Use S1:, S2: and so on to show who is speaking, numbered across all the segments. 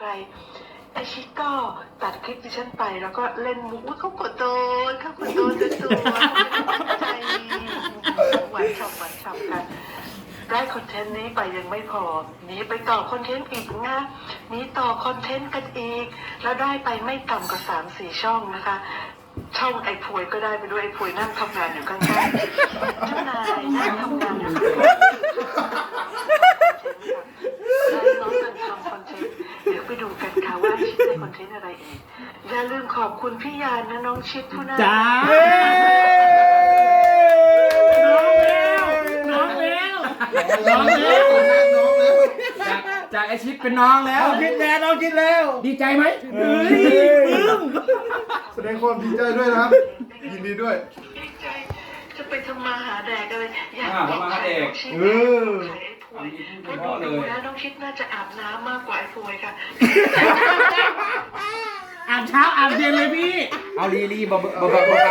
S1: ไปไอชิก็ตัดคลิปดิฉันไปแล้วก็เล่นมุกว่าเขากดโดนจนตัวใจหวานฉ่ำกันได้คอนเทนต์นี้ไปยังไม่พอหนีไปต่อคอนเทนต์อีกนะหนีต่อคอนเทนต์กันอีกแล้วได้ไปไม่ต่ำกว่า3-4 ช่องนะคะช่องไอ้พวยก็ได้ไปด้วยไอ้พวยนั่งทำงานอยู่ข้างๆเจ้านายนั่งทำงานอยู่ข้างๆน้องกันทำคอนเทนต์เดี๋ยวไปดูกันค่ะว่าชิดได้คอนเทนต์อะไรอีกอย่าลืมขอบคุณพี่ยานนะน้องชิดผู้น่า
S2: จ้าน้องแล้วจากไอชิดเป็นน้องแล้ว
S3: น้องคิดแล้ว
S2: ดีใจไหม
S3: ปึ้มแสดงความดีใจด้วยนะครับยินดีด้วย
S1: ดีใจจะไปทำมาหาแดกกันเลยอยาก
S2: ทำมาหาแดก
S1: ขายไอ้พวยเพราะดูแล้วน้องชิดน่าจะอาบน้ำมากกว่าไอ้พวยค่ะ
S2: อาบเช้าอาบเย็นเลยพี่เอาลีบอกเราก็ไม่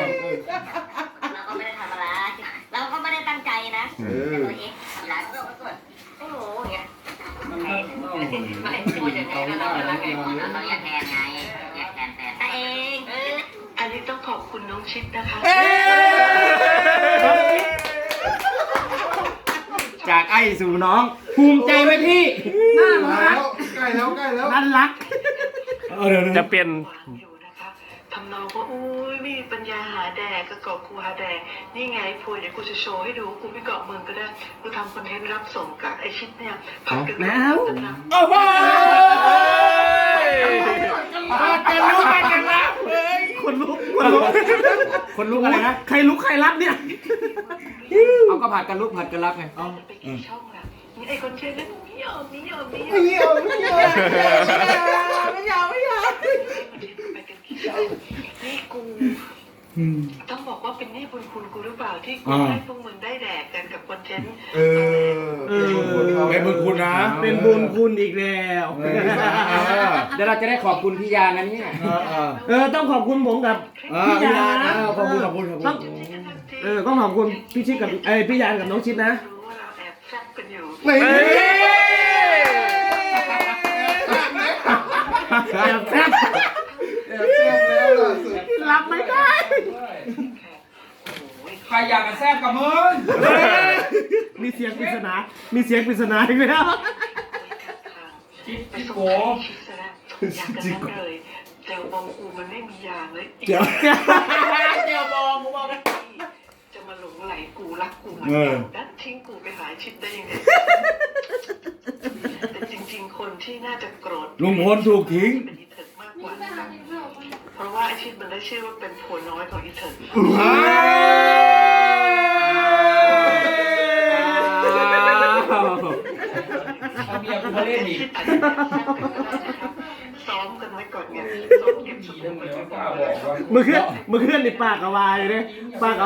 S4: ได้ทำอะไรเราก็ไม่ได้ตั้งใจนะแต่ตัวเองหลายคนก็โอ้โหอย่างเงี้ยไม่พูดอย่างนี้เราอยากแทนไงอยากแทนแต่ตัวเอง
S1: อันนี้ต้องขอบคุณน้องชิดนะคะ
S2: จากไอ้สู่น้องภูมิใจไหมพี่น่ารัก
S3: ใกล้แล้ว
S2: น่ารักจะเป็น
S1: ทำนองว่าอุ้ยไม่มีปัญญาหาแดกก็เกาะกูหาแดกนี่ไงพวยเดี๋ยวกูจะโชว์ให้ดูกูไม่เกาะมึงก็ได้กูทำคอนเทนต์รับส่งกับไอชิดเนี่ยผัดกัน
S2: แล้วโอ้โหผัดกันรับเฮ้ยคนลุกอะไรนะใครลุกใครรับเนี่ยเอาก็ผัดกันลุกผัดกันรับไง
S1: เอาไปกี่ช่องล่ะนี่ไอคอนเทนต์นั้นไม่ยอมไปกันกี่ช่องนี่กูต้องบอกว่าเป็นหนี้บุญคุณกูหรือเปล่าที่กูให้พวกมึงได้แดกกันกับคอนเทนต์
S3: เป็นบุญคุณนะ
S2: เป็นบุญคุณอีกแล้วเดี๋ยวเราจะได้ขอบคุณพี่ยานะเนี่ยต้องขอบคุณผมกับพี่ยานะ
S3: ขอบคุณ
S2: ต้องขอบคุณพี่ชิดกับพี่ยากับน้องชิดนะ
S1: รู้ว่าเราแอบแซ่บกันอยู่
S2: แอบแซ่บ
S3: แล้วล่ะ
S2: รับไม่ได้
S5: ใครอยากกันแซ่บกับมึง
S2: มีเสียงปริศนาอีกแล้ว
S5: จิ๊กโก
S1: อยากกันนั่นเลยเจลบองกูมันไม่มียางเลย
S2: เจลบองกูบอกกัน
S1: จะมาหลงไหลกูรักกูเหมือนดันทิ้งกูไปหาชิดได้ยังไงแต่จริงๆคนที่น่าจะโกรธ
S3: ลุงพลถูกทิ้ง
S1: เป็นอีเถิดมากกว่านะคะเพราะว่าไอชิดมันได้ชื่อว่าเป็นผัวน้อยของอีเถิด
S5: เอาเมียกูมาเล่นอีก
S1: ซ้อมกันไว้ก่อนไงซ้อมเก็บสมุดไว้ก่อน
S2: เมื่อคืนนี่ปากกาวาอยู่เลย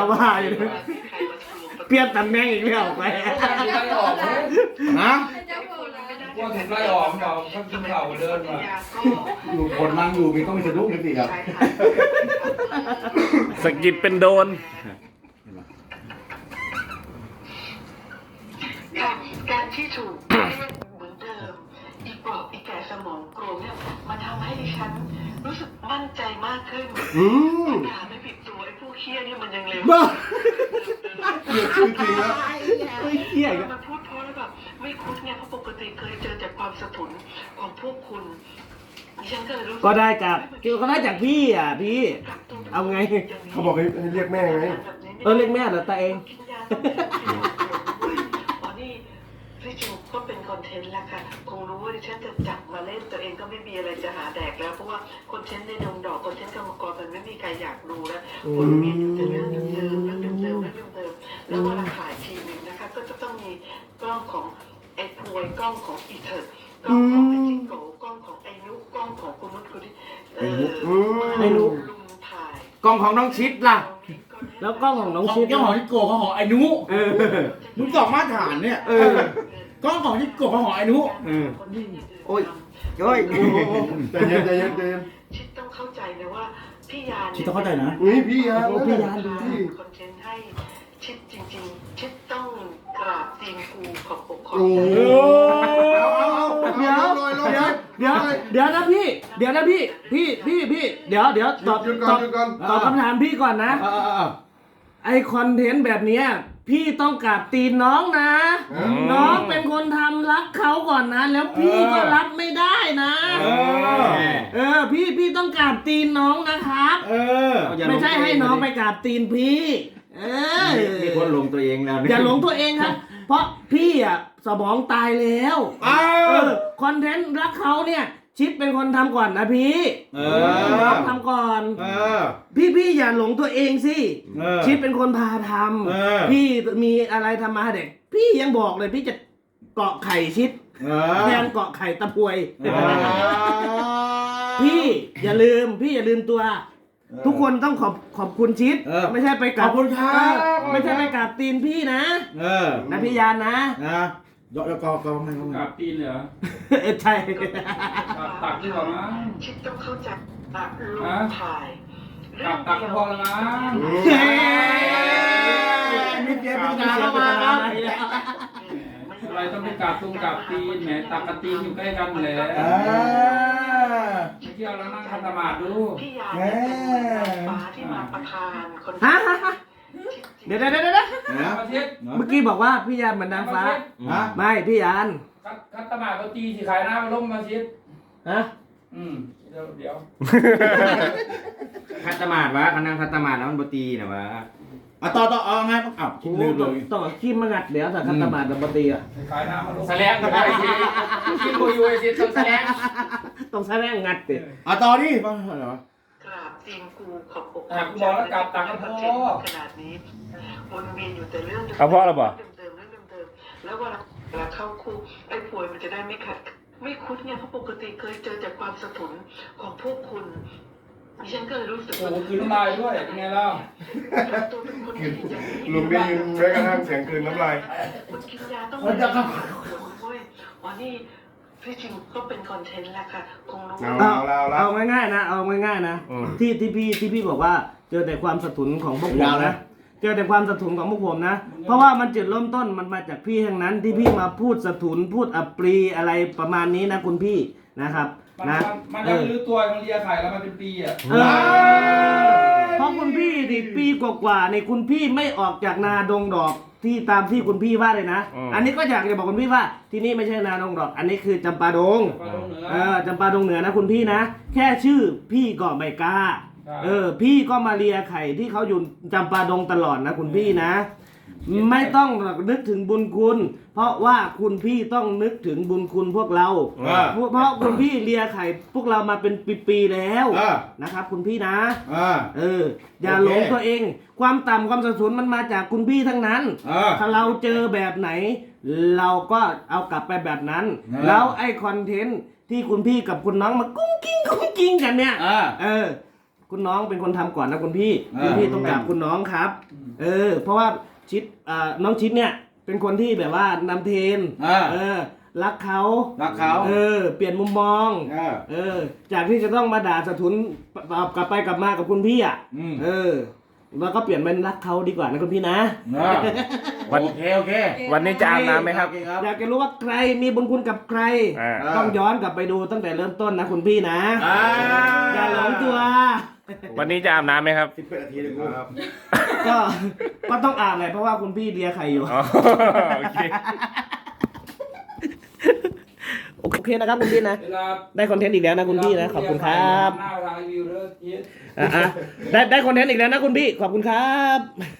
S2: เปลี่ยนตำแหน่งอีกแล้วไป
S3: นะ
S5: ว่าถึงไล่ออกเราเขากินเข่าเดินมา
S3: อยู่คนนั่งอยู่มีต้องมีสะดุ้งนิดสิครับ
S2: สกิดเป็นโดน
S1: การที่ถูกเหมือนเดิมอีกปลอกอีกแก่สมองโกรธเนี่ยมันทำให้ดิฉันรู้สึกมั่นใจมากขึ้นด่าไม่ผิดตัวไอ้ผู้เคี้ยเนี่ยมันยังเร็ว
S3: จริงแล้ว
S2: เคี้ย
S1: มันพูดเพราะแล้วแบบไม่คุ้นเนี่ยเพราะปกติเคยเจอจากความสะทุนของพวกคุณดิฉันก็เลยรู้
S2: ก็ได้จากพี่พี่เอาไง
S3: เขาบอกให้เรียกแม่ไง
S2: เรียกแม่เหรอตาเอง
S1: พี่จูก็เป็นคอนเทนต์แล้วค่ะคงรู้ว่าดิฉันจะจับมาเล่นตัวเองก็ไม่มีอะไรจะหาแดกแล้วเพราะว่าคอนเทนต์ในดงดอกคอนเทนต์กรรมกรมันไม่มีใครอยากดูแล้วคนมีแต่เรื่องเดิมแล้วเวลาถ่ายทีนึงนะคะก็จะต้องมีกล้องของไอ้พวยกล้องของอีเถิดกล้องของไอ้จิงโกกล้องของไอ้นุกล้องของคุณนุชคุณที่
S2: ไอ้นุก
S1: ลุงถ่าย
S2: กล้องของน้องชิดล่ะแล้วกล้องของน้องชิด
S5: กล้องของจิโกะของไอ้นุมึงสองมาตรฐานเนี่ยกล้องของจิโกะของไอ้นุ
S2: โอ้ย
S3: ใจเย็น
S1: ชิดต้องเข้าใจนะว่าพี่ยา
S5: ชิดต้องเข้าใจนะ
S3: พี่ยา
S1: คอนเทนต์ให้ชิดจริงๆชิดต้องกราบตีนกูขอบอกขอ
S3: โอ้โห
S5: เดี๋ยวเดี๋ยวนะพี่ เดี๋ยวตอบ
S3: หยุดก่อนหยุดก่อน
S5: ตอบคำถามพี่ก่อนนะ ไอคอนเทนต์แบบเนี้ยพี่ต้องกราบตีนน้องนะ น้องเป็นคนทำรักเขาก่อนนะ แล้วพี่ก็รับไม่ได้นะพี่ต้องกราบตีนน้องนะครับ ไม่ใช่ให้น้องไปกราบตีนพี่
S2: มีคนหลงตัวเองแล้ว
S5: อย่าหลงตัวเองครับ เพราะพี่อ่ะสมองตายแล้วคอนเทนต์รักเขาเนี่ย ชิดเป็นคนทำก่อนนะพี่น้องทำก่อนพี่อย่าหลงตัวเองสิชิดเป็นคนพาทำพี่มีอะไรทำมาเด็กพี่ยังบอกเลยพี่จะเกาะไข่ชิดแทนเกาะไข่ตะพวยพี่อย่าลืมตัว ทุกคนต้องขอบคุณชิดไม่ใช่ไปกราบ
S3: ขอบคุณครับ
S5: ไม่ใช่ไปกราบตีนพี่นะนะพี่ยานนะ
S2: ยกแล้วก็ไม่
S6: กราบตีนเลยเหรอ
S5: ใช่
S6: ตักดีกว่ามั้ง
S1: ชิดต้องเข้าใจว่าลูกถ่าย
S6: กราบตักก็พอแล้วมั้ง
S5: นี่เจ๊เป็นการเข้ามาครับ
S6: อะไรต้องไปกราบตุงกราบตีนแหมตักกับตีนอยู่ใกล้กันแหละไม่เกี่ยวแล้วนั่งคันธมาดดู
S1: พี่ยาเป็นฟ้าที่มาประทานคน
S5: เดี๋ยว
S6: มาเช็ด
S5: เมื่อกี้บอกว่าพี่ยานเหมือนนางฟ้าไม่พี่ยาน
S6: คันธมาดก็ตีสิขายหน้ามาล้มมาเช็ด
S5: ฮะ
S6: เดี๋ยว
S2: คัตมาดวะคันนั่งคัตมาดแล้วมันบตีนะวะ
S5: ต่อเอาไงคิดลืมเลยต้องขี้มางัดเดี๋ยวแต่คัตตาบาดปกติอ่ะ
S6: ขายหน้ามาล้ม
S2: แสลงอยู่ไอ้ทีกินโบยูไอ้ทีต้องแสลง
S5: ต้องแสดงงัดติ
S2: ต่อดิบ้างเหรอก
S1: ราบตีนกูขอบบอก
S6: กูบอกแล้วกราบตักก็พอ
S1: ขนาดนี้วนเวียนอยู่แต่เรื่องเดิม
S7: เอาเพราะอะไรบ่
S1: เดิมแล้วเวลาเข้าคู่ไอ้ป่วยมันจะได้ไม่ขัดไม่คุ้นไงเพราะปกติเคยเจอจากความสะทุนของพวกคุณดิฉันก็เลยรู้สึก
S6: โอ้โหคืนน้ำลายด้วยเป็นไงเล่า
S1: ตัวเป็นคนที่จะ
S3: ลุงได้ยินแม้กระทั่งเสียงคืนน้ำลาย
S1: คนกินยาต้องมาจะอ๋อนี่ที่จริงก็เป็นคอนเทนต์แหละค่ะคงรู้
S5: เอาง่ายๆนะเอาง่ายๆนะที่พี่บอกว่าเจอแต่ความสะทุนของพวกผมนะเจอแต่ความสะทุนของพวกผมนะเพราะว่ามันจุดเริ่มต้นมันมาจากพี่ทั้งนั้นที่พี่มาพูดสะทุนพูดอัปรีอะไรประมาณนี้นะคุณพี่นะครับนะ
S6: มันยังไม่รู้ตัวมันเลียไข่แล้วมันเป็นปีอ่ะ
S5: เพราะคุณพี่ดิปีกว่าๆในคุณพี่ไม่ออกจากนาดงดอกที่ตามที่คุณพี่ว่าเลยนะอันนี้ก็อยากจะบอกคุณพี่ว่าที่นี่ไม่ใช่นาดงดอกอันนี้คือจำปาดงจำปาดงเหนือนะคุณพี่นะแค่ชื่อพี่ก็ไม่กล้าพี่ก็มาเลียไข่ที่เขาอยู่จำปาดงตลอดนะคุณพี่นะไม่ต้องนึกถึงบุญคุณเพราะว่าคุณพี่ต้องนึกถึงบุญคุณพวกเราเพราะคุณพี่เลียไข่พวกเรามาเป็นปีๆแล้วนะครับคุณพี่นะอย่าหลงตัวเองความต่ำความสะทุนมันมาจากคุณพี่ทั้งนั้นถ้าเราเจอแบบไหนเราก็เอากลับไปแบบนั้นแล้วไอ้คอนเทนต์ที่คุณพี่กับคุณน้องมากุ้งกิ้งกันเนี่ยคุณน้องเป็นคนทำก่อนนะคุณพี่ต้องกราบคุณน้องครับเพราะว่าชิดน้องชิดเนี่ยเป็นคนที่แบบว่านำเทรนรักเขาเปลี่ยนมุมมองจากที่จะต้องมาด่าสะทุนกลับไปกลับมากับคุณพี่อ่ะแล้วก็เปลี่ยนเป็นรักเขาดีกว่านะคุณพี่นะ
S2: โอเค
S7: วันนี้จะอาบน้ำไหมครับ
S5: อยากจะรู้ว่าใครมีบุญคุณกับใครต้องย้อนกลับไปดูตั้งแต่เริ่มต้นนะคุณพี่นะอย่าหลงตัว
S7: วันนี้จะอาบน้ำไหมครับ
S3: 11 นาทีเลยครับ
S5: ก็ต้องอาบเลยเพราะว่าคุณพี่เลียไข่อยู่
S7: โอเค
S5: โอเคนะครับคุณพี่นะได้คอนเทนต์อีกแล้วนะคุณพี่นะขอบคุณครับ
S6: หน้าทางรีวิวเลย
S5: ได้คอนเทนต์อีกแล้วนะคุณพี่ขอบคุณครับ